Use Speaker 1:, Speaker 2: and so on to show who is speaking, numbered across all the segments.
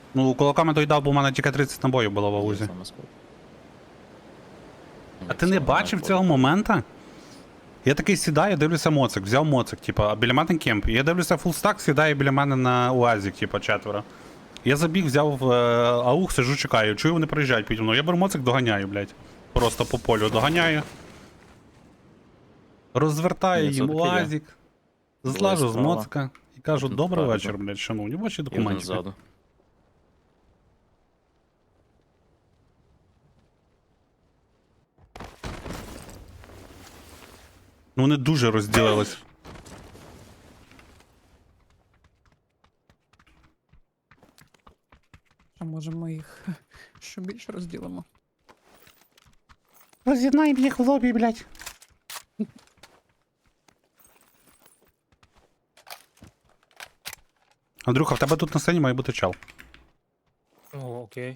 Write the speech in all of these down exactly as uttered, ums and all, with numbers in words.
Speaker 1: Ну, кулаками доїдав, бо в мене тільки тридцять набоїв було в
Speaker 2: Є
Speaker 1: аузі.
Speaker 2: саме склад.
Speaker 1: А ти не бачив цього моменту? Я такий сідаю, дивлюся моцик, взяв моцик, типа, а біля мене кемп. І я дивлюся фулстак, сідає біля мене на УАЗик, типа, четверо. Я забіг, взяв е, аух, сижу, чекаю. Чую, вони приїжджають піді мною. Я беру моцик, доганяю, блядь. Просто по полю доганяю. Розвертаю
Speaker 2: Ні, це
Speaker 1: їм
Speaker 2: таке є.
Speaker 1: УАЗик.
Speaker 2: Двоє
Speaker 1: Злажу з
Speaker 2: справа.
Speaker 1: моцика і кажу,
Speaker 2: Один
Speaker 1: добрий
Speaker 2: спереду.
Speaker 1: вечір, блядь, шановні, ваші
Speaker 2: І один
Speaker 1: документи.
Speaker 2: ззаду.
Speaker 1: Ну вони дуже розділились.
Speaker 3: А може ми їх ще більше розділимо?
Speaker 1: Роз'єднаємо їх в лобі, блядь. Андрюха, в тебе тут на сцені має бути чел.
Speaker 4: О, окей.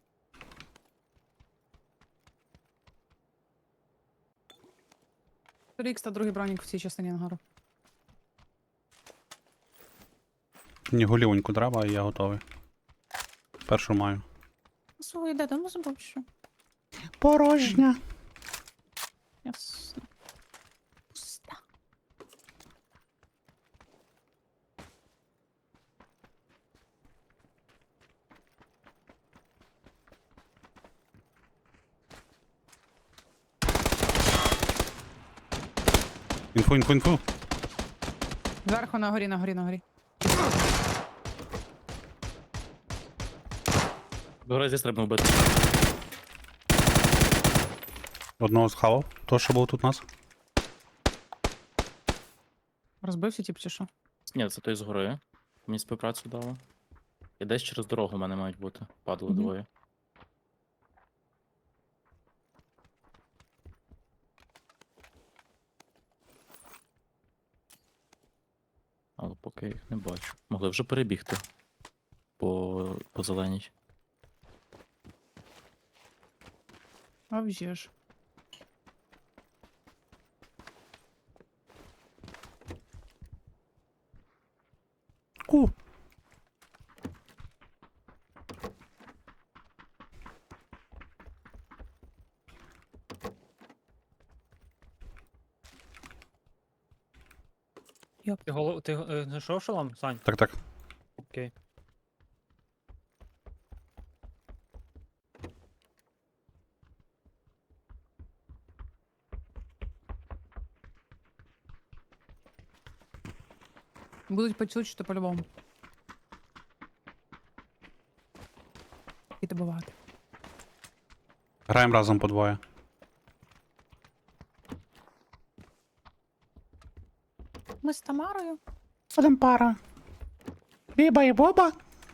Speaker 3: Рікс та другий бронік в цій частині ангару.
Speaker 1: Мені голівоньку треба, і я готовий. Першу маю.
Speaker 3: Свою йде, тому забув, що.
Speaker 1: Порожня.
Speaker 3: Ясно. Пуста.
Speaker 1: Інфу, інфу, інфу.
Speaker 3: Зверху на горі, на горі, на горі.
Speaker 2: До разі треба вбити.
Speaker 1: Одного схавав. То, що був тут у нас.
Speaker 3: Розбився, тип, чи що?
Speaker 2: Ні, це той з гори. Мені співпрацю дало. І десь через дорогу в мене мають бути. Падали
Speaker 3: Мгм.
Speaker 2: двоє. Але поки я їх не бачу. Могли вже перебігти. По, по зеленій.
Speaker 3: А вже ж.
Speaker 1: Ку.
Speaker 4: Ти голов... Ти е, знайшов шолом, Сань?
Speaker 1: Так, так.
Speaker 4: Окей.
Speaker 3: Будуть почути по-любому. І добивати.
Speaker 1: Граємо разом по двоє.
Speaker 3: Ми з Тамарою.
Speaker 1: Один пара. Біба і Боба,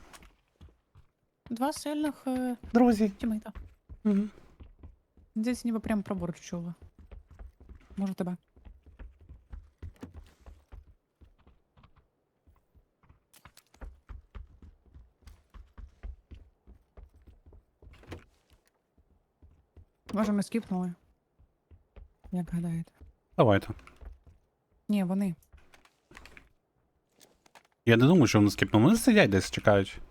Speaker 3: Два сильних е,
Speaker 1: друзі.
Speaker 3: тімейта.
Speaker 1: Угу.
Speaker 3: Здесь ніби прям пробор чула. Може тебе. Може ми скіпнули? Як гадаєте?
Speaker 1: Давайте.
Speaker 3: Ні, вони.
Speaker 1: Я не думаю, що вони скіпнули. Вони сидять десь, чекають.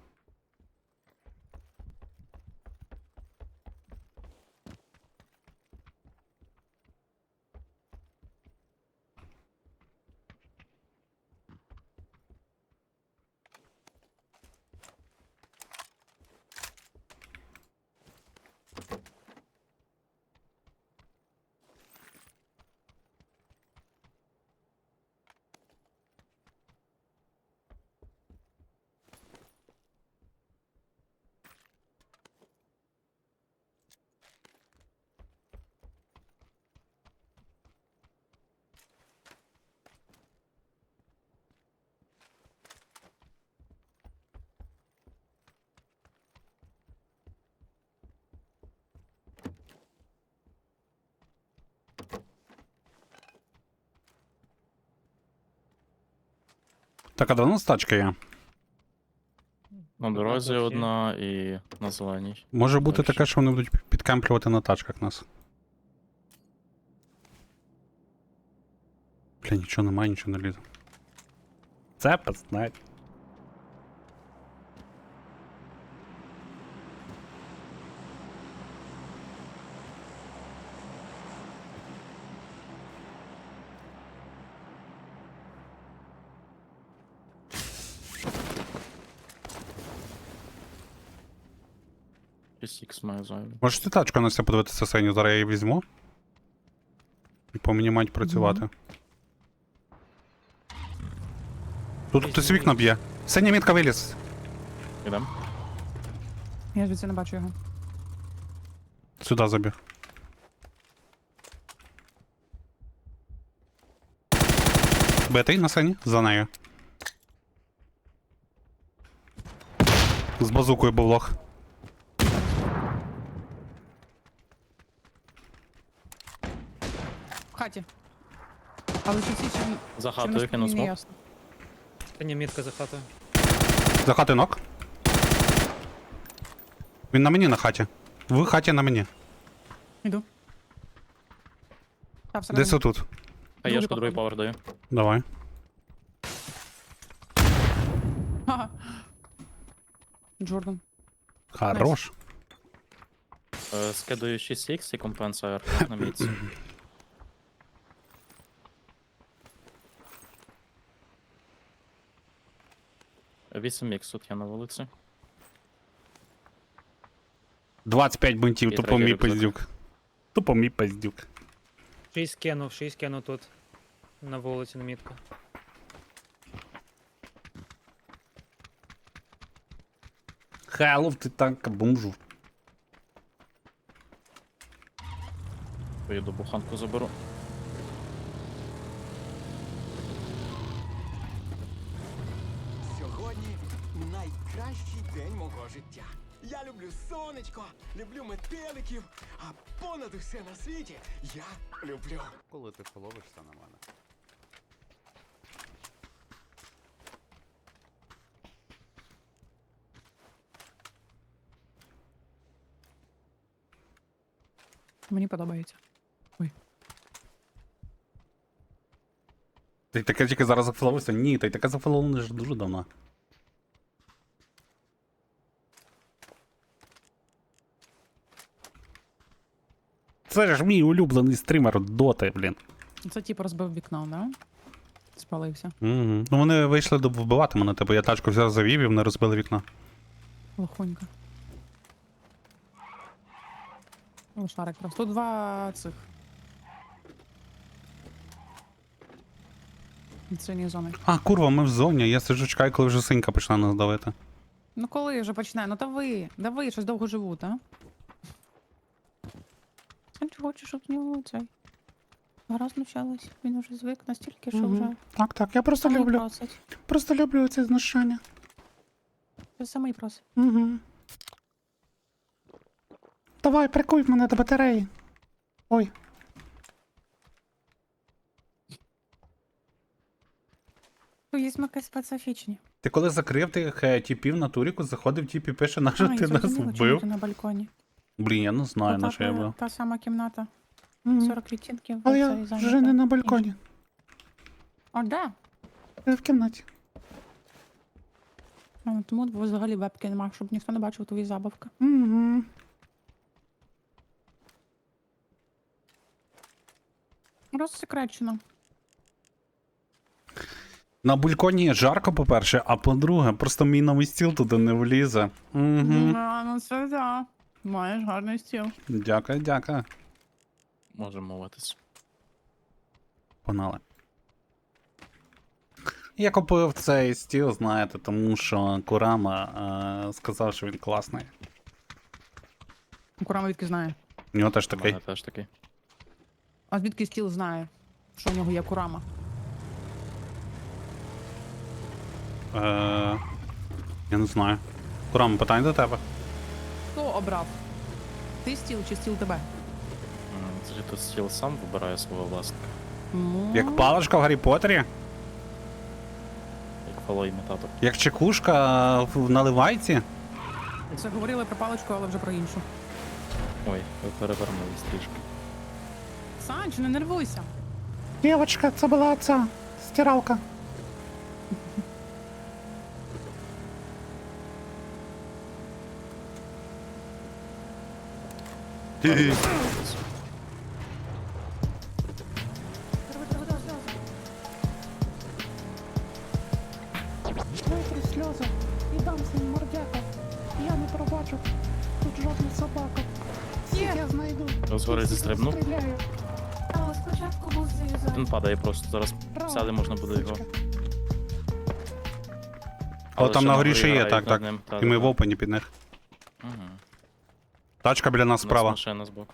Speaker 1: Так, а де у нас тачка є?
Speaker 2: На дорозі
Speaker 4: так,
Speaker 2: одна і на зеленій.
Speaker 1: Може бути
Speaker 2: Дальше.
Speaker 1: таке, що вони будуть підкемплювати на тачках нас. Бля, нічого немає, нічого не лізе. Це пизнать.
Speaker 2: шість ікс маю зайвий.
Speaker 1: Можеш ти тачку на себе подивитися синю, зараз я її візьму. І по мені мають працювати. Тут хтось вікна б'є. Синя мітка виліз.
Speaker 2: Ідем?
Speaker 3: Я звідси не бачу його.
Speaker 1: Сюди забіг. Битий на сині? За нею. З базукою був лох.
Speaker 3: В хаті. Але чи ці чи він-
Speaker 2: За
Speaker 3: чи
Speaker 2: хатою
Speaker 3: він
Speaker 2: кинув
Speaker 3: не
Speaker 2: смок.
Speaker 3: ясно.
Speaker 4: Синя мітка за хатою.
Speaker 1: За хати ног. Він на мені на хаті. В хаті на мені.
Speaker 3: Іду. Та, всередині.
Speaker 1: Десь отут.
Speaker 2: А я ж
Speaker 3: Другий
Speaker 2: другий
Speaker 3: походу.
Speaker 2: повер даю.
Speaker 1: Давай.
Speaker 3: Ха-ха. Джордан.
Speaker 1: Хорош.
Speaker 2: Е, Скидаю шість ікс і компенсую на міці. вісім ікс тут я на вулиці.
Speaker 1: двадцять п'ять бунтів,
Speaker 2: І
Speaker 1: тупо
Speaker 2: третій
Speaker 1: мій
Speaker 2: рюкзак.
Speaker 1: пиздюк. Тупо мій пиздюк.
Speaker 4: Шість кинув, шість кинув тут. На вулиці на мітку.
Speaker 1: Хайлов ти танка бомжу.
Speaker 2: Поїду буханку заберу.
Speaker 5: Сьогодні найкращий день мого життя. Я люблю сонечко, люблю метеликів, а понад усе на світі я люблю.
Speaker 1: Коли ти половишся на мене?
Speaker 3: Мені подобається.
Speaker 1: Ти таке тільки зараз зафоловився? Ні, ти таке зафоловлений вже дуже давно. Це ж мій улюблений стрімер Доти, блін.
Speaker 3: Це типу розбив вікно, да? Спалився.
Speaker 1: Угу. Ну вони вийшли до вбивати мене, типу я тачку взяв завів і вони розбили вікно.
Speaker 3: Лохонька. Лошарик просто. Тут два цих. Від синьої зони.
Speaker 1: А, курва, ми в зоні, я сиджу чекаю, коли вже синька почне нас давити.
Speaker 3: Ну коли вже почне? Ну дави, дави, щось довго живуть, а? А чи хочеш, щоб з нього цей? Гра знущалась, він вже звик настільки, що вже
Speaker 1: Так, так, я просто
Speaker 3: самий
Speaker 1: люблю.
Speaker 3: просить.
Speaker 1: Просто люблю це знущання.
Speaker 3: Вже самий просить.
Speaker 1: Угу. Давай, прикуй мене до батареї. Ой.
Speaker 3: Ну, є якісь специфічні.
Speaker 1: Ти коли закрив тих е, тіпів на туріку, заходив тіп і пише, на що
Speaker 3: А,
Speaker 1: ти
Speaker 3: я
Speaker 1: нас
Speaker 3: зрозуміла, чому
Speaker 1: вбив?
Speaker 3: ти на балконі.
Speaker 1: Блін, я не знаю, на
Speaker 3: Ота
Speaker 1: що я
Speaker 3: та-
Speaker 1: був.
Speaker 3: Та сама кімната.
Speaker 1: Мгм.
Speaker 3: сорок відтінків.
Speaker 1: Але я
Speaker 3: оцей
Speaker 1: вже
Speaker 3: зайнята.
Speaker 1: не на балконі.
Speaker 3: О, да.
Speaker 1: Я в кімнаті.
Speaker 3: А, тому взагалі вебки нема, щоб ніхто не бачив твої забавки.
Speaker 1: Угу.
Speaker 3: Розсекречено.
Speaker 1: На балконі жарко, по-перше, а по-друге, просто мій новий стіл туди не влізе. Угу.
Speaker 3: А, ну це да. Маєш гарний стіл.
Speaker 1: Дякую, дякую.
Speaker 2: Можемо мовитись.
Speaker 1: Погнали. Я купив цей стіл, знаєте, тому що Курама е, сказав, що він класний.
Speaker 3: Курама звідки знає.
Speaker 1: У нього теж
Speaker 2: У
Speaker 1: такий.
Speaker 2: мене теж такий.
Speaker 3: А звідки стіл знає, що в нього є Курама?
Speaker 1: Е, я не знаю. Курама, питання до тебе.
Speaker 3: Хто обрав? Ти стіл чи стіл тебе?
Speaker 2: М, Це ж тут стіл сам вибирає свого власника.
Speaker 3: Ну,
Speaker 1: Як паличка в Гаррі Поттері,
Speaker 2: Як фалоімітатор.
Speaker 1: як чекушка в наливайці.
Speaker 3: Це говорили про паличку, але вже про іншу.
Speaker 2: Ой, ви перевернулись трішки.
Speaker 3: Санч, не нервуйся.
Speaker 1: Дівочка, це була ця стиралка.
Speaker 3: Витри сльози і дам своїм мордяка. Я не пробачу.
Speaker 6: Тут жодна собака.
Speaker 3: Є.
Speaker 6: Я знайду.
Speaker 2: Згори застрибнув.
Speaker 6: Стріляю.
Speaker 3: Але спочатку був зав'язаний.
Speaker 2: Він падає просто. Зараз
Speaker 6: Браво.
Speaker 2: сяде можна буде його.
Speaker 1: Але там
Speaker 2: ще
Speaker 1: на горі ще є,
Speaker 2: грають
Speaker 1: так,
Speaker 2: над
Speaker 1: так.
Speaker 2: ним. Та,
Speaker 1: І ми
Speaker 2: та,
Speaker 1: в
Speaker 2: та.
Speaker 1: опені під них.
Speaker 2: Мгм.
Speaker 1: Тачка біля нас
Speaker 2: У нас
Speaker 1: справа.
Speaker 2: машина збоку.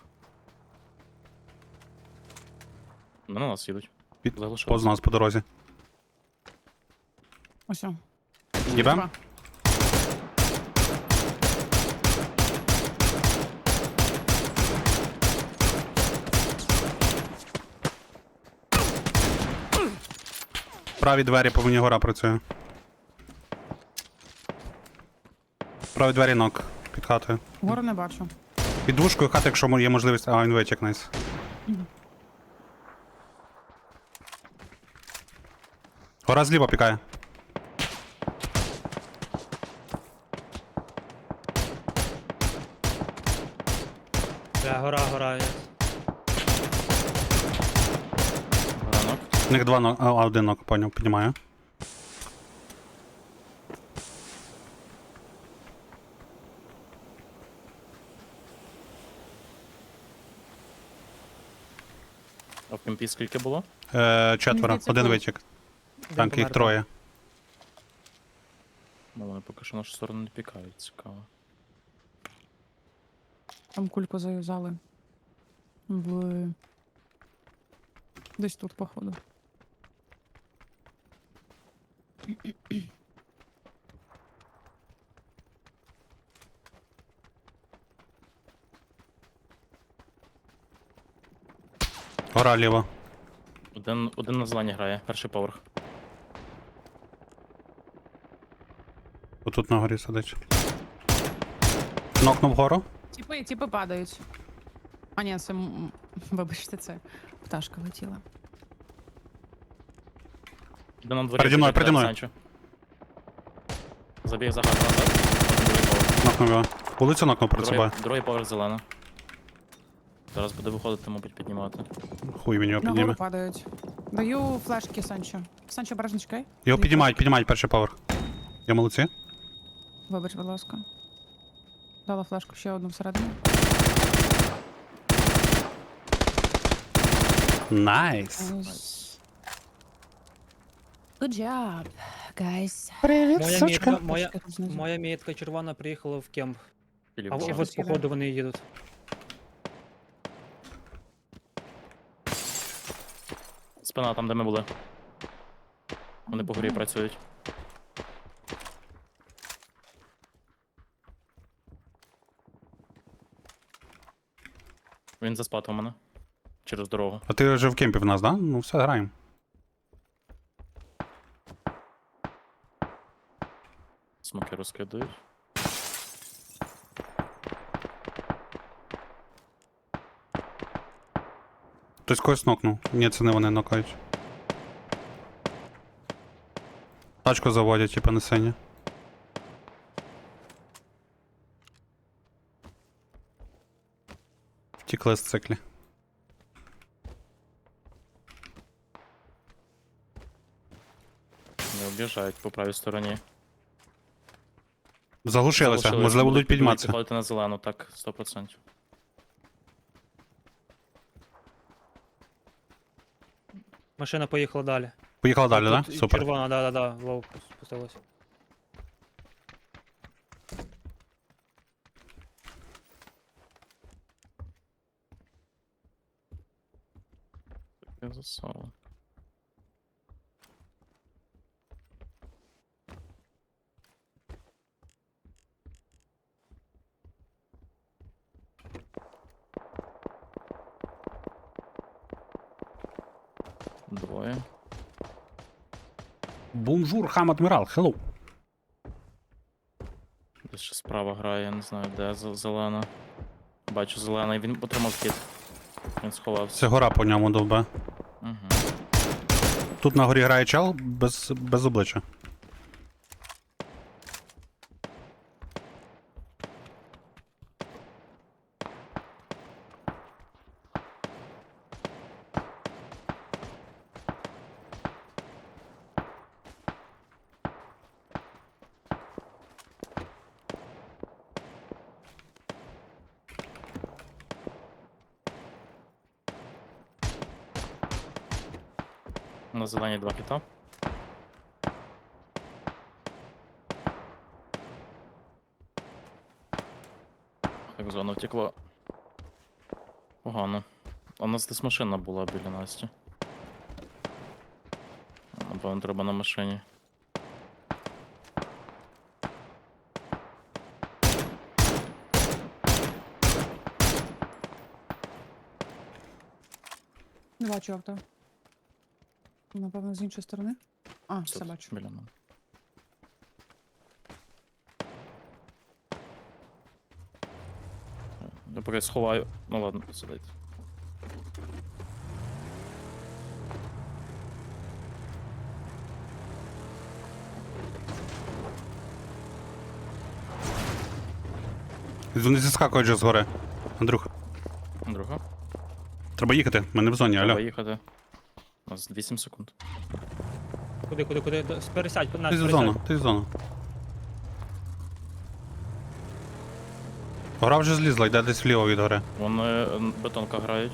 Speaker 2: Ну, на нас їдуть.
Speaker 1: Під-
Speaker 2: Заглушились.
Speaker 1: Поз нас по дорозі.
Speaker 3: Ось. о.
Speaker 1: Їбем?
Speaker 3: Два.
Speaker 1: Праві двері по мені гора працює. Праві двері нок під хатою.
Speaker 3: Гору не бачу.
Speaker 1: Під двушкою хати, якщо є можливість. А, він витік, найс. Гора зліва пікає.
Speaker 4: Бля, гора, гора.
Speaker 2: Ранок.
Speaker 1: В них два нок, а один нок, поняв, піднімаю.
Speaker 2: А в кемпі скільки було?
Speaker 1: Е, четверо,
Speaker 3: Здається,
Speaker 1: один
Speaker 3: було.
Speaker 1: витік.
Speaker 4: Один
Speaker 1: Так, їх
Speaker 4: помер,
Speaker 1: троє.
Speaker 2: Ну, вони поки що в нашу сторону не пікають, цікаво.
Speaker 3: Там кульку зав'язали. В... Десь тут, походу.
Speaker 1: Гора ліва.
Speaker 2: Один, один на зелені грає, перший поверх.
Speaker 1: Отут на горі сидить. Нокнув гору.
Speaker 3: Тіпи, тіпи падають. А ні, це... м- Вибачте, це пташка летіла.
Speaker 2: Один на дворі.
Speaker 1: Переді мною,
Speaker 2: біжить,
Speaker 1: переді мною.
Speaker 2: Санчо. Забіг за хату назад. Другий поверх.
Speaker 1: Нокнув його. Вулицю нокнув перед
Speaker 2: Другий,
Speaker 1: собою.
Speaker 2: другий поверх зелена. Зараз буде виходити, мабуть, піднімати.
Speaker 1: Хуй він його
Speaker 3: На гору
Speaker 1: підніме.
Speaker 3: падають. Даю флешки Санчо. Санчо, обережно чекай.
Speaker 1: Його
Speaker 3: Дві
Speaker 1: піднімають,
Speaker 3: флешки.
Speaker 1: піднімають перший поверх. Я молодці.
Speaker 3: Вибач, будь ласка. Дала флешку ще одну всередину.
Speaker 1: Найс.
Speaker 3: Good job, guys.
Speaker 1: Привіт,
Speaker 4: Моя
Speaker 1: сучка.
Speaker 4: мітка, моя,
Speaker 3: Тут знизу.
Speaker 4: моя мітка червона приїхала в кемп.
Speaker 2: Філіп,
Speaker 4: А
Speaker 2: вже.
Speaker 4: от
Speaker 3: Ще
Speaker 4: походу вони їдуть.
Speaker 2: Спина там, де ми були. Вони по горі працюють. Він заспати у мене. Через дорогу.
Speaker 1: А ти вже в кемпі в нас, да? Ну все, граємо.
Speaker 2: Смоки розкидають.
Speaker 1: Хтось когось нокнув. Ні, це не вони нокають. Тачку заводять, типа на сині. Втікли з циклі.
Speaker 2: Не об'їжджають по правій стороні.
Speaker 1: Заглушилися,
Speaker 2: Залишились,
Speaker 1: можливо, будуть підніматися.
Speaker 2: Підходити на зелену, так, сто відсотків.
Speaker 4: Машина поїхала далі.
Speaker 1: Поїхали далі,
Speaker 4: Тут
Speaker 1: так? Супер.
Speaker 4: Червона, да, да, да, лоу спустилася.
Speaker 2: Я засову. Двоє.
Speaker 1: Бонжур, хам адмірал, хеллоу.
Speaker 2: Десь ще справа грає, я не знаю, де за- зелена. Бачу зелений, він отримав кіт. Він сховався.
Speaker 1: Це гора по ньому довбе.
Speaker 2: Угу.
Speaker 1: Тут на горі грає чел без, без обличчя.
Speaker 2: На зелені два кита. Так, зона втекла. Погано. А у нас десь машина була біля Насті. Напевно, треба на машині.
Speaker 3: Не бачу авто. Напевно, з іншої сторони. А, все
Speaker 2: Тут,
Speaker 3: бачу.
Speaker 2: біля мене. Я поки сховаю. Ну ладно, сидить.
Speaker 1: Вони зіскакують вже згори. Андрюх,
Speaker 2: Друга.
Speaker 1: треба їхати, ми не в зоні,
Speaker 2: Треба
Speaker 1: алло.
Speaker 2: їхати. У нас вісім секунд.
Speaker 4: Куди, куди, куди? До- Пересядь, на,
Speaker 1: Ти з
Speaker 4: пересядь.
Speaker 1: зону, ти з зону. Гора вже злізла, йде десь вліво від гори.
Speaker 2: Вони е, бетонка грають.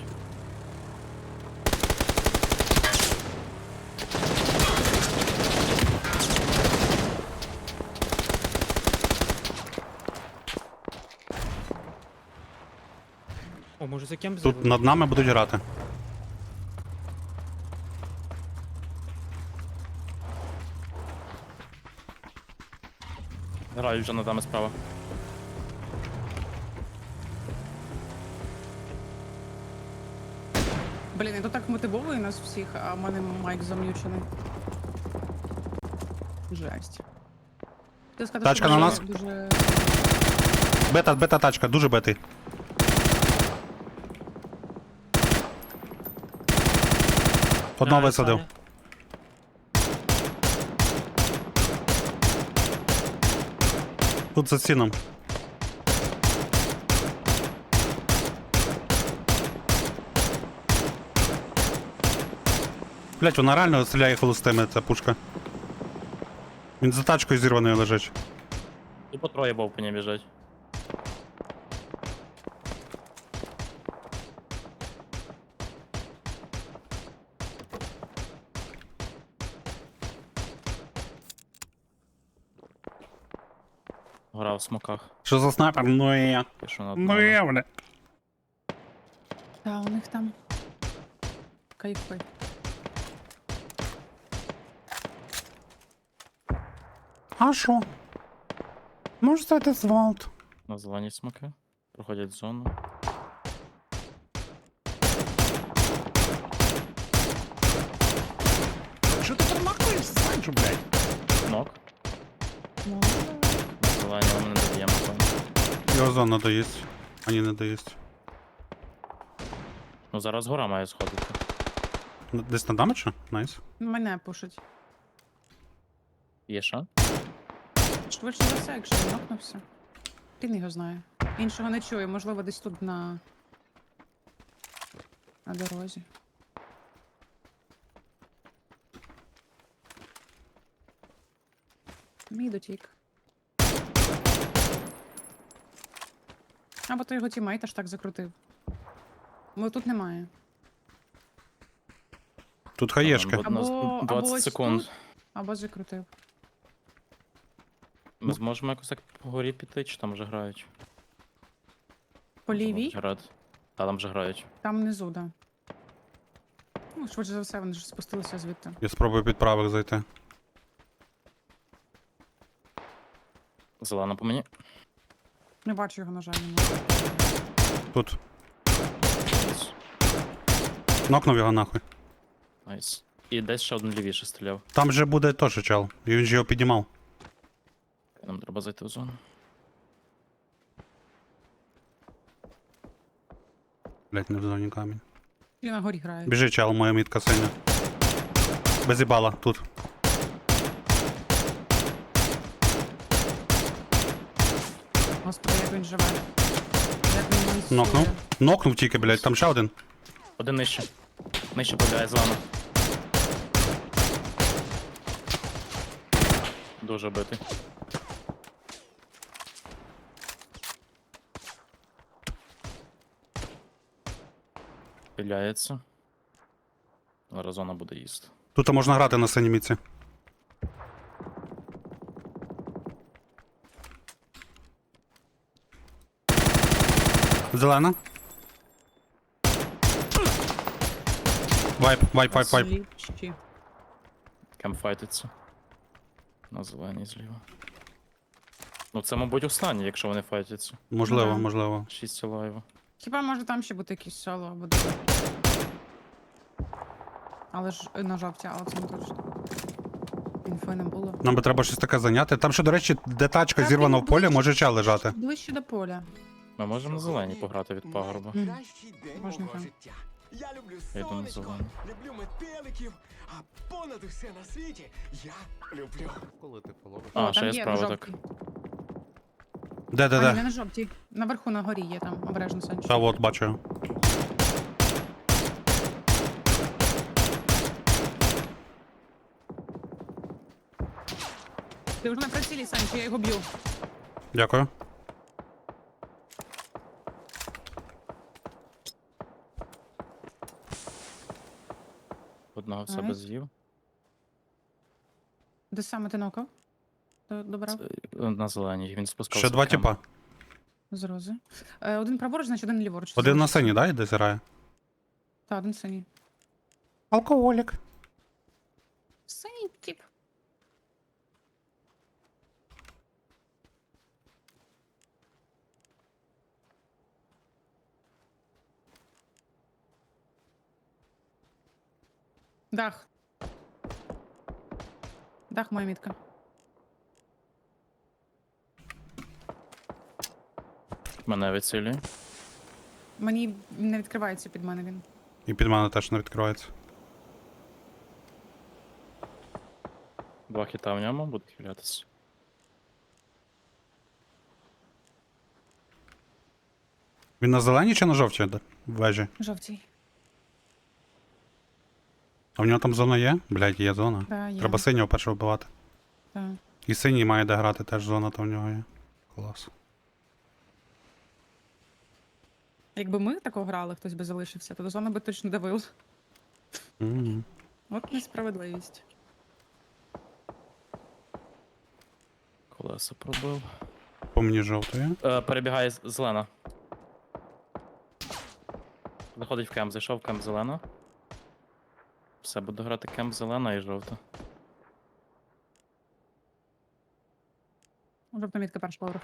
Speaker 4: О, може за кем
Speaker 1: Тут над нами будуть грати.
Speaker 2: Грають вже над нами справа.
Speaker 3: Блін, я тут так мотивовує нас всіх, а в мене майк зам'ючений. Жесть. Хотів сказати,
Speaker 1: Тачка
Speaker 3: що
Speaker 1: на
Speaker 3: дуже-
Speaker 1: нас.
Speaker 3: Дуже...
Speaker 1: Бета, бета тачка, дуже бетий. Одного висадив. Тут за стіном. Блять, вона реально стріляє холостими, ця пушка. Він за тачкою зірваною лежить.
Speaker 2: Тупо троє бовпані біжать. Гора в смоках.
Speaker 1: Що за снайпер? Ну і я.
Speaker 2: Пишу над
Speaker 1: Ну і
Speaker 2: нами.
Speaker 1: я, бля.
Speaker 3: Та, у них там... Кайфи.
Speaker 1: А що? Може стати звалт.
Speaker 2: На зелені смоки. Проходять зону.
Speaker 1: Що ти промахуєш, Санчо, блядь?
Speaker 2: Нок.
Speaker 3: Ну,
Speaker 2: На зелені ми не доб'ємо. напевно.
Speaker 1: Його зона доїсть. Ані не доїсть.
Speaker 2: Ну зараз гора має сходити.
Speaker 1: Десь на дамича? Найс.
Speaker 3: мене пушить.
Speaker 2: Є шанс?
Speaker 3: Швидше за все, якщо він нокнувся. Він його знає. Іншого не чую, можливо, десь тут на... на дорозі. Мій дотік. Або то його тімейт аж так закрутив. Бо тут немає.
Speaker 1: Тут хаєшки.
Speaker 2: Або- У нас
Speaker 3: Або, або
Speaker 2: двадцять
Speaker 3: ось
Speaker 2: секунд.
Speaker 3: тут, або закрутив.
Speaker 2: Ми зможемо якось так по горі піти, чи там вже грають?
Speaker 3: По лівій,
Speaker 2: Грають. Та там вже грають.
Speaker 3: там внизу, да. Ну, швидше за все, вони ж спустилися звідти.
Speaker 1: Я спробую під правих зайти.
Speaker 2: Зелена по мені.
Speaker 3: Не бачу його, на жаль, немає.
Speaker 1: Тут.
Speaker 2: Найс.
Speaker 1: Нокнув його нахуй.
Speaker 2: Найс. І десь ще один лівіше стріляв.
Speaker 1: Там же буде теж чел. І він же його піднімав.
Speaker 2: Нам треба зайти в зону.
Speaker 1: Блять, не в зоні камінь.
Speaker 3: І на горі грає.
Speaker 1: Біжи, чел, моя мітка синя. Без ібала, тут.
Speaker 3: Господи, як він живе. Як він мансує.
Speaker 1: Нокнув. Нокнув тільки, блять, там ще один.
Speaker 2: Один нижче. Нижче побігає зелена. Дуже битий. Піляється. Зараз зона буде їсти.
Speaker 1: Тут можна грати на синій міці. Зелена. Вайп, вайп, вайп, вайп.
Speaker 3: Сліпчі.
Speaker 2: Кем файтиться. На зеленій зліва. Ну це, мабуть, останній, якщо вони файтяться.
Speaker 1: Можливо,
Speaker 3: Да.
Speaker 1: можливо.
Speaker 2: Шість лайва.
Speaker 3: Хіба може там ще бути якийсь соло або два. Але ж е, на жовті, але це не точно. Інфи не було.
Speaker 1: Нам би треба щось таке зайняти. Там ще, до речі, де тачка
Speaker 3: Та
Speaker 1: зірвана
Speaker 3: він
Speaker 1: в полі,
Speaker 3: ближче-
Speaker 1: може ча лежати.
Speaker 3: Ближче до поля.
Speaker 2: Ми можемо на зеленій пограти від пагорба.
Speaker 3: Мгм.
Speaker 5: Найкращий день
Speaker 3: Можна
Speaker 5: мого
Speaker 3: там.
Speaker 5: життя. Я люблю
Speaker 2: Я йду на
Speaker 5: сонечко,
Speaker 2: зелену.
Speaker 5: люблю метеликів, а понад усе на світі я люблю.
Speaker 6: Коли ти фоловиш?
Speaker 2: А,
Speaker 3: О,
Speaker 2: ще
Speaker 3: там
Speaker 2: є
Speaker 3: є
Speaker 2: справа
Speaker 3: на
Speaker 2: так.
Speaker 3: жовтій.
Speaker 1: Де, де,
Speaker 3: А, ні, не
Speaker 1: де?
Speaker 3: на жовтій. Наверху на горі є там, обережно сонечко.
Speaker 1: Та от, бачу. його.
Speaker 3: Ти вже на прицілі, Санчо, я його б'ю.
Speaker 1: Дякую.
Speaker 2: Одного в себе
Speaker 3: Ай.
Speaker 2: з'їв.
Speaker 3: Де саме ти нокав? До- Добрав?
Speaker 2: Це, е, На зеленій. Він спускався.
Speaker 1: Ще два
Speaker 2: в кемп.
Speaker 1: тіпа.
Speaker 3: З рози. Е, один праворуч, значить один ліворуч.
Speaker 1: Один на синій, да, йде зірає?
Speaker 3: Так, один синій.
Speaker 1: Алкоголік.
Speaker 3: Синій тип. Дах. Дах моя мітка.
Speaker 2: Мене вицілює.
Speaker 3: Мені не відкривається під мене він.
Speaker 1: І під мене теж не відкривається.
Speaker 2: Два хіта в ньому, буду хилятися.
Speaker 1: Він на зеленій чи на жовтій де? В вежі?
Speaker 3: Жовтій.
Speaker 1: А в нього там зона є? Блядь, є зона.
Speaker 3: Да, є.
Speaker 1: Треба синього першого вбивати.
Speaker 3: Да.
Speaker 1: І синій має де грати, теж зона там в нього є. Клас.
Speaker 3: Якби ми тако грали, хтось би залишився, то до зони би точно давив.
Speaker 1: Мгм.
Speaker 3: От несправедливість.
Speaker 2: Колеса пробив.
Speaker 1: По мені жовтої.
Speaker 2: Е, перебігає з- зелена. Заходить в кемп, зайшов в кемп зелена. Все, буду грати кемп зелена і жовта.
Speaker 3: Жовта мітка перший поверх.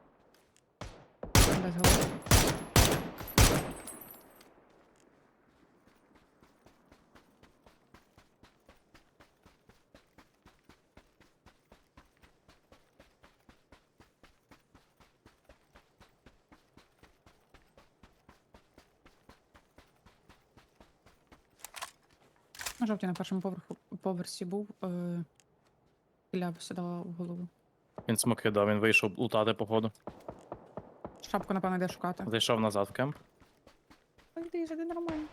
Speaker 3: Без голови. На жовтій на першому поверху, поверсі був. Е, Ілля сідала в голову.
Speaker 2: Він смоки дав, він вийшов лутати походу.
Speaker 3: Шапку, напевно, йде шукати.
Speaker 2: Зайшов назад в кемп.
Speaker 3: Так, йди, йди нормально.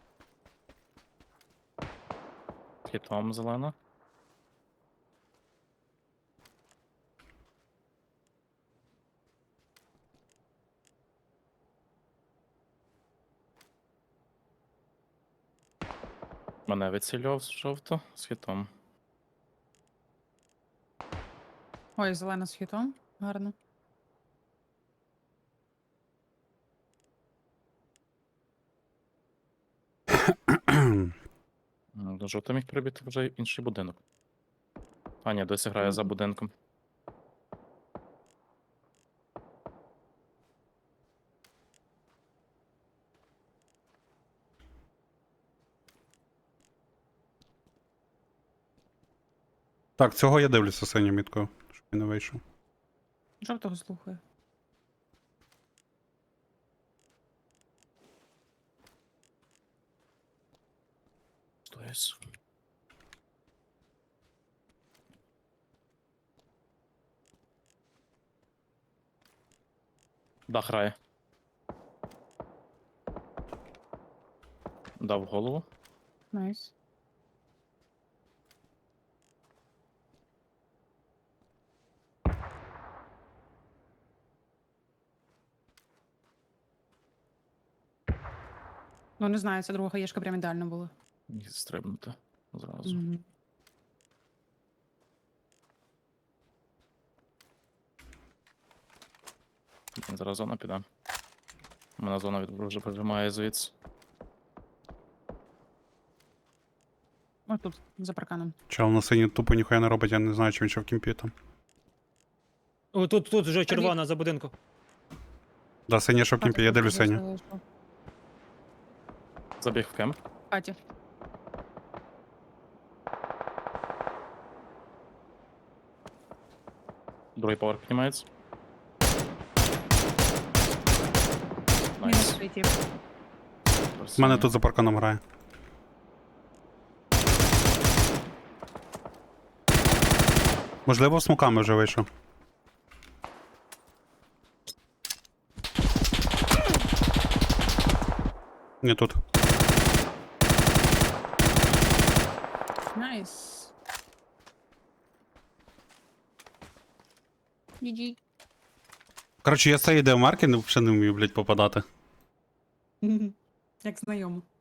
Speaker 2: Хітом зелена. Мене вицілював жовто з хітом.
Speaker 3: Ой, зелена з хітом. Гарно.
Speaker 2: М, До жовта міг прибити вже інший будинок. А, ні, досі грає за будинком.
Speaker 1: Так, цього я дивлюся синю міткою, щоб він не вийшов.
Speaker 3: Жовтого слухаю.
Speaker 2: Стоїсь. Дах грає. Дав голову.
Speaker 3: Найс. Ну, не знаю, це друга хаєшка прям ідеально була.
Speaker 2: Міг стрибнути. Зразу.
Speaker 3: Мгм.
Speaker 2: Блін, зараз зона піде. Мене зона від вже прижимає звідси.
Speaker 3: Ось тут, за парканом.
Speaker 1: Чел на синій тупо ніхуя не робить, я не знаю, чи він ще в кімпі там.
Speaker 4: О, тут, тут вже червона за будинку.
Speaker 1: Да, синій ще в кімпі, я
Speaker 3: Патя
Speaker 1: дивлюсь
Speaker 3: просто
Speaker 1: синю.
Speaker 3: залишив.
Speaker 2: Забіг в кемп.
Speaker 3: Патя.
Speaker 2: Другий поверх піднімається.
Speaker 3: Мінус
Speaker 2: Найс.
Speaker 3: світів.
Speaker 1: У мене тут за парканом грає. Можливо, смоками вже вийшов. Не тут.
Speaker 3: Найс. джі джі.
Speaker 1: Коротше, я з цієї демарки взагалі не вмію, блядь, попадати.
Speaker 3: Як знайомо.